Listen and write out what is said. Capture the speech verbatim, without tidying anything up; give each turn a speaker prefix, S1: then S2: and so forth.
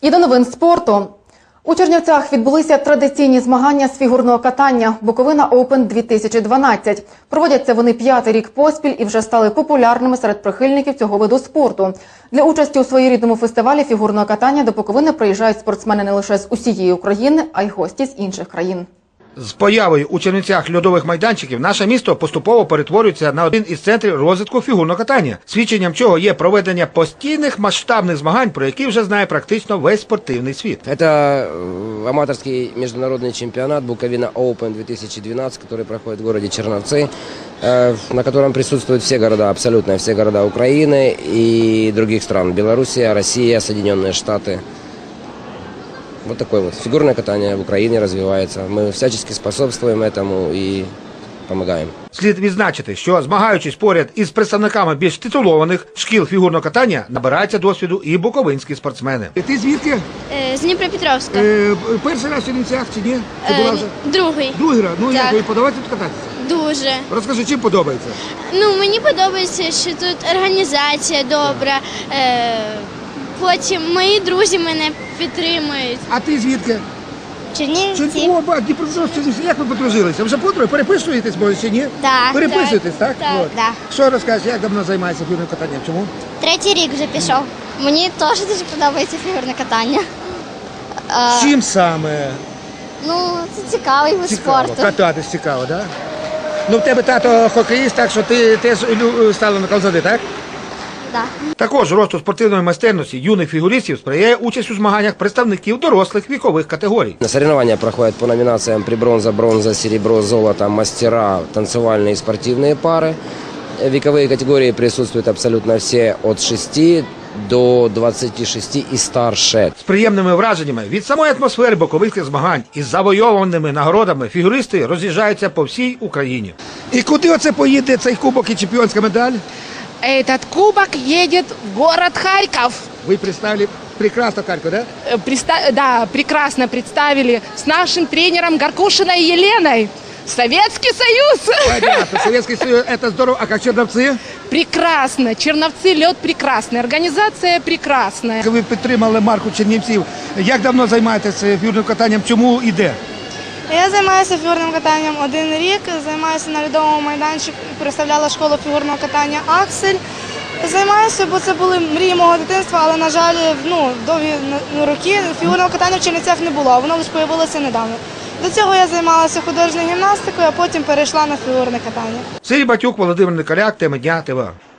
S1: І до новин спорту. У Чернівцях відбулися традиційні змагання з фігурного катання «Буковина Оупен дві тисячі дванадцять». Проводяться вони п'ятий рік поспіль і вже стали популярними серед прихильників цього виду спорту. Для участі у своєрідному фестивалі фігурного катання до Буковини приїжджають спортсмени не лише з усієї України, а й гості з інших країн.
S2: З появою у Чернівцях льодових майданчиків наше місто поступово перетворюється на один із центрів розвитку фігурного катання, свідченням чого є проведення постійних масштабних змагань, про які вже знає практично весь спортивний світ.
S3: Это аматорский международный чемпионат «Буковина Оупен две тысячи двенадцать», который проходит в городе Черновцы, на котором присутствуют все города, абсолютно все города Украины и других стран. Белоруссия, Россия, Соединенные Штаты. Вот такое вот. Фигурное катание в Украине развивается. Мы всячески способствуем этому и помогаем.
S2: Слід відзначити, що змагаючись поряд із представниками більш титулованих шкіл фігурного катання, набираються досвіду і буковинські спортсмени.
S4: Ти звідки?
S5: З Дніпропетровська.
S4: Е, перший раз в Чернівцях чи ні? Ти була вже?
S5: Другий.
S4: Другий раз? Ну
S5: Так.
S4: як, тобі подобається тут кататися?
S5: Дуже.
S4: Розкажи, чим подобається?
S5: Ну, мені подобається, що тут організація добра. Е, потім мої друзі мене підтримують.
S4: А ти звідки?
S5: Чернівці.
S4: О, ба, Дніпропетровськ, Чернівці, як ви подружилися? Вже подруги? Переписуєтесь, може, чи ні?
S5: Так,
S4: Переписуєтесь, так?
S5: так,
S4: От.
S5: так.
S4: Що розкажеш, як давно займаєшся фігурним катанням? Чому?
S5: Третій рік вже пішов. Мені теж дуже подобається фігурне катання.
S4: Чим саме?
S5: Ну, це цікавий вид
S4: Цікаво.
S5: спорту.
S4: Кататись цікаво, так? Ну, в тебе тато хокеїст, так що ти теж лю- стала на колзади, так?
S5: Да.
S2: Також росту спортивної майстерності юних фігуристів сприяє участь у змаганнях представників дорослих вікових категорій.
S3: Соревнования проходят по номинациям «Прибронза», «Бронза», «Серебро», «Золото», «Мастера», танцевальные и спортивные пары. Вековые категории присутствуют абсолютно все от шести до двадцати шести и старше.
S2: З приємними враженнями від самої атмосфери боковинських змагань із завойованими нагородами фігуристи роз'їжджаються по всій Україні.
S4: І куди оце поїде цей кубок і чемпіонська медаль?
S6: Этот кубок едет в город Харьков.
S4: Ви представили прекрасно Харків, да?
S6: Э, преста- Да, прекрасно представили с нашим тренером Гаркушиной Еленой. Советский Союз!
S4: Понятно, Советский Союз, это здорово. А как Черновцы?
S6: Прекрасно. Черновцы, лед прекрасный. Организация прекрасная.
S4: Ви підтримали марку Чернівців. Як давно займаєтеся фігурним катанням? Чому і де?
S7: Я займаюся фігурним катанням один рік, займаюся на льодовому майданчику, представляла школу фігурного катання «Аксель». Займаюся, бо це були мрії мого дитинства, але, на жаль, ну, довгі роки фігурного катання в Чернівцях не було, воно лише з'явилося недавно. До цього я займалася художньою гімнастикою, а потім перейшла на фігурне катання.
S2: Сергій Батюк, Володимир Николяк, теми дня, ТВА.